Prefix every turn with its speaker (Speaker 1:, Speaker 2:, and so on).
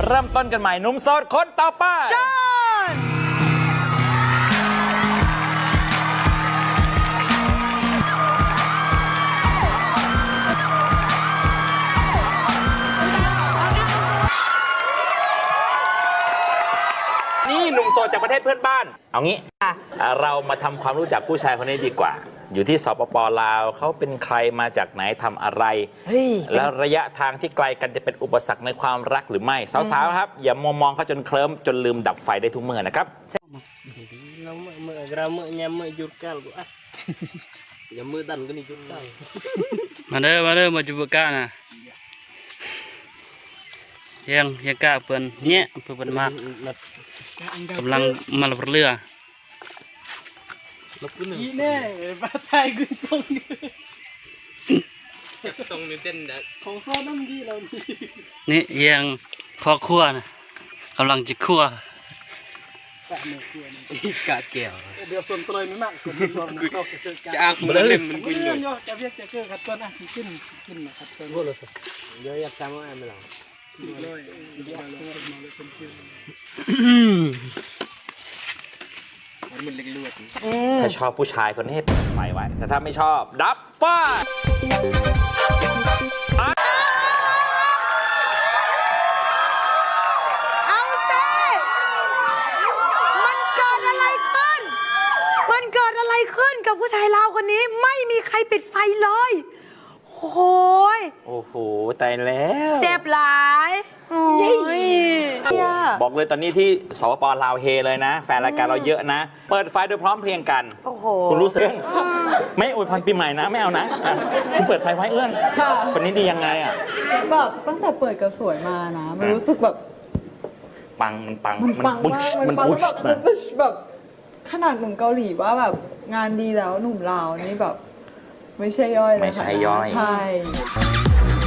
Speaker 1: เริ่มต้นกันใหม่หนุ่มโสดคนต่อไป
Speaker 2: เชิญ
Speaker 1: นี่หนุ่มโสดจากประเทศเพื่อนบ้านเอางี้เรามาทำความรู้จักผู้ชายคนนี้ดีกว่าอยู่ที่สปป.ลาวเขาเป็นใครมาจากไหนทำอะไรแล้วระยะทางที่ไกลกันจะเป็นอุปสรรคในความรักหรือไม่สาวๆครับอย่ามัวมองเขาจนเคลิ้มจนลืมดับไฟได้ทุกเมื่อนะครับ
Speaker 3: เราเมื่อเราเมื่อยามเมื่อหยุดกันกูอย่ามือดันก็นี่หยุดได้มาเด้อมาจุบกะนะยังกะเปิ้นเนี่ยเปิ้นมากกำลังมาลับเรืออีแน่ปลาไทยขึ้นตรงนี้ตรงนี้เต้นของซ้อน้ำดีเรานี่ยังพ่อครัวนะกำลังจะคั่วกะแก้วเดี๋ยวส่วนตัวไม่มากจะอักมันเล่นมันกุยอยู่จะเรียกจะเกิดขัดต้นอ่ะขึ้นขัดต้นเดี๋ยวอยากจำว่าอะไรไม่หรอก
Speaker 1: ถ้าชอบผู้ชายคนนี้ให้เปิดไฟไว้แต่ถ้าไม่ชอบดับไฟ
Speaker 2: เอาเต้มันเกิดอะไรขึ้นกับผู้ชายลาวคนนี้ไม่มีใครปิดไฟเลย
Speaker 1: โอ้โหตายแล้ว
Speaker 2: แซ่บหลาย
Speaker 1: บอกเลยตอนนี้ที่สปป.ลาวเฮเลยนะแฟนรายการเราเยอะนะเปิดไฟโดยพร้อมเพรียงกันคุณรู้สึกไม่อวยพรปีใหม่นะไม่เอานะคุณเปิดไฟไว้เอื้อนคนนี้ดียังไงอ่ะ
Speaker 4: แบบตั้งแต่เปิดกระสวยมานะมันรู้สึกแบบ
Speaker 1: ปังมัน
Speaker 4: ปุ๊ชแบบขนาดหนุ่มเกาหลีว่าแบบงานดีแล้วหนุ่มลาวนี่แบบไม่ใช่ย่อยเลยค่ะ
Speaker 1: ไม่ใช่ย่อย
Speaker 4: ใช่